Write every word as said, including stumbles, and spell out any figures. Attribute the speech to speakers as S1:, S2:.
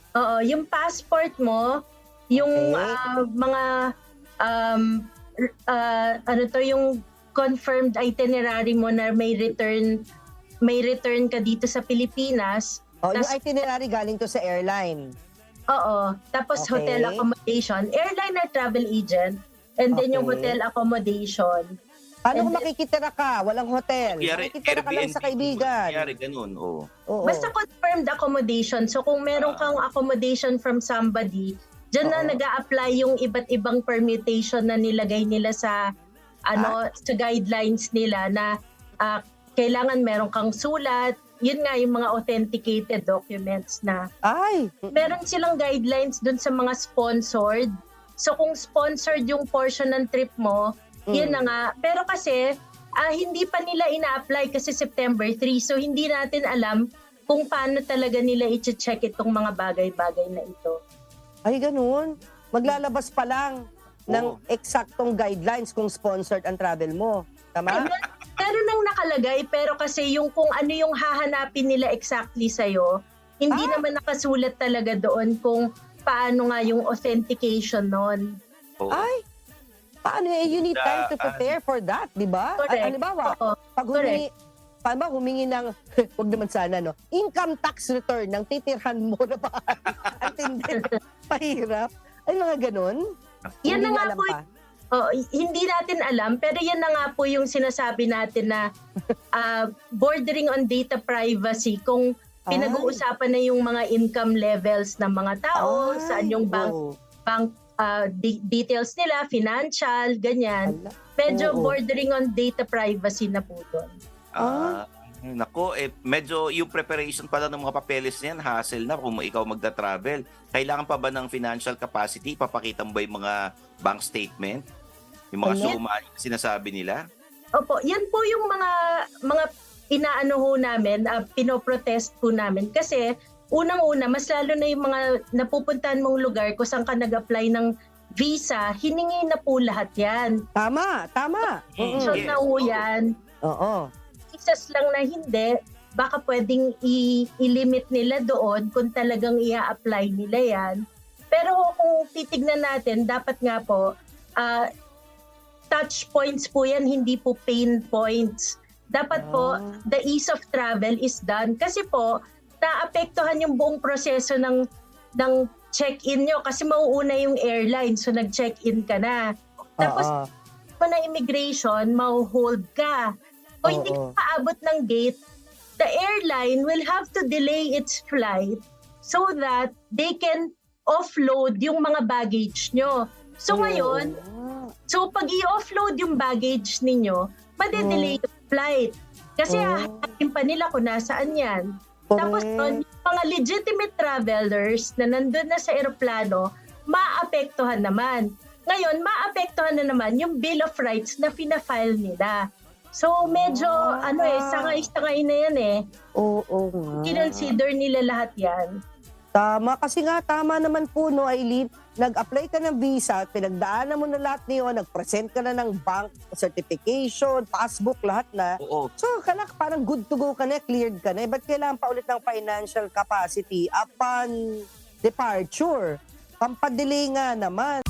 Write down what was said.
S1: Oo, yung passport mo, yung
S2: Okey.
S1: ah, mga um, r ah, ano 'to, yung confirmed itinerary mo na may return may return ka dito sa Pilipinas,
S2: Oh, yung
S1: tas
S2: itinerary galing 'to sa airline?
S1: Oo, tapos hotel
S2: Okey.
S1: accommodation, airline or travel agent, and then yung
S2: Okey.
S1: hotel accommodation,
S2: Paano
S1: and
S2: kung
S1: then
S2: makikitira ka, walang
S3: O
S2: hotel,
S3: kunyari
S2: makikitira ka lang
S3: Airbnb
S2: sa
S3: kung kunyari
S2: kaibigan?
S3: gano'n, oh.
S1: Basta
S2: Oo.
S1: confirmed accommodation. So kung meron
S3: Ah.
S1: kang accommodation from somebody, diyan na
S2: Oo.
S1: nag-a-apply yung iba't ibang permutation na nilagay nila sa
S2: Ah?
S1: ano, sa guidelines nila na, ah, kailangan meron kang sulat, yun nga yung mga authenticated documents na
S2: Ay! Mm.
S1: meron silang guidelines dun sa mga sponsored. So kung sponsored yung portion ng trip mo, yun na
S2: Hmm.
S1: nga. Pero kasi, ah, hindi pa nila ina-apply kasi September three, so hindi natin alam kung paano talaga nila iche-check itong mga bagay-bagay na ito.
S2: Ay gano'n? Maglalabas pa lang ng
S3: Oo.
S2: eksaktong guidelines kung sponsored ang travel mo,
S1: Ay,
S2: tama?
S1: mer meron ng nakalagay, pero kasi yung kung ano yung hahanapin nila exactly sa'yo, hindi
S2: Ah!
S1: naman nakasulat talaga doon kung paano nga yung authentication nun.
S3: Oo.
S2: Ay! Paano, eh, you need time to
S3: Daan.
S2: prepare for that, 'di ba? Ay,
S1: Correct,
S2: halimbawa,
S1: oo,
S2: 'pag
S1: correct.
S2: humingi halimbawa humingi ng wag naman sana 'no, income tax return ng titirhan mo na bahay. Ang tindi, mahirap. Ay mga gano'n?
S1: Yan
S2: Hindi
S1: na
S2: niyo
S1: nga
S2: alam
S1: po,
S2: pa?
S1: oo, hindi natin alam, pero yan na nga po yung sinasabi natin na, ah, bordering on data privacy kung
S2: Ay.
S1: pinag-uusapan na yung mga income levels ng mga tao, saan
S2: Ay,
S1: yung bank
S2: oo.
S1: bank, ah, de details nila, financial, ganyan.
S2: Hala,
S1: Medyo
S2: oo.
S1: bordering on data privacy na po dun.
S2: Ah.
S3: Ah, naku, eh, medyo yung preparation pala ng mga papeles na 'yan hassle na kung ikaw magta-travel. Kailangan pa ba ng financial capacity? Ipapakita mo ba yung mga bank statement? Yung mga
S2: Hala.
S3: suma na sinasabi nila?
S1: Opo, yan po yung mga mga inaano ho namin, ah, pino-protest po namin. Kasi unang-una, mas lalo na yung mga napupuntahan mong lugar kung saan ka nag-apply ng visa, hiningi na po lahat yan.
S2: Tama, tama.
S3: Mm,
S1: So
S2: Mm.
S1: na
S3: yes,
S1: ho
S3: oo.
S1: yan.
S2: Oo.
S1: Visas lang na hindi, baka puwedeng i i-limit nila doon kung talagang i-a-apply nila yan. Pero kung titignan natin, dapat nga po, ah, touch points po yan, hindi po pain points. Dapat po,
S2: Ah.
S1: the ease of travel is done. Kasi po, naapektuhan yung buong proseso ng ng check-in nyo kasi mauuna yung airline, so nag-check-in ka na. Tapos,
S2: Oo.
S1: mo na immigration, maho-hold ka. O hindi ka
S2: Oo.
S1: paabot ng gate, the airline will have to delay its flight so that they can offload yung mga baggage nyo. So ngayon,
S2: Oo.
S1: so pag i-offload yung baggage ninyo, made-delay
S2: Oh.
S1: yung flight. Kasi
S2: Oh.
S1: hahanapin pa nila kung nasaan yan. Tapos nun,
S2: Correct.
S1: yung mga legitimate travelers na nandun na sa eroplano, maapektuhan naman. Ngayon, maapektuhan na naman yung Bill of Rights na fina-file nila. So medyo
S2: Ah.
S1: ano eh, sangay-sangay na yan eh.
S2: Oo nga.
S1: Kinonsider nila lahat yan.
S2: Tama, kasi nga tama naman po 'no, Eileen, nag-apply ka ng visa, pinagdaanan mo na lahat niyon, nag-present ka na ng bank certification, passbook, lahat na.
S3: Oo.
S2: So, kala parang good to go ka na, cleared ka na, eh, ba't kailangan pa ulit ng financial capacity upon departure? Pampa-delay nga naman.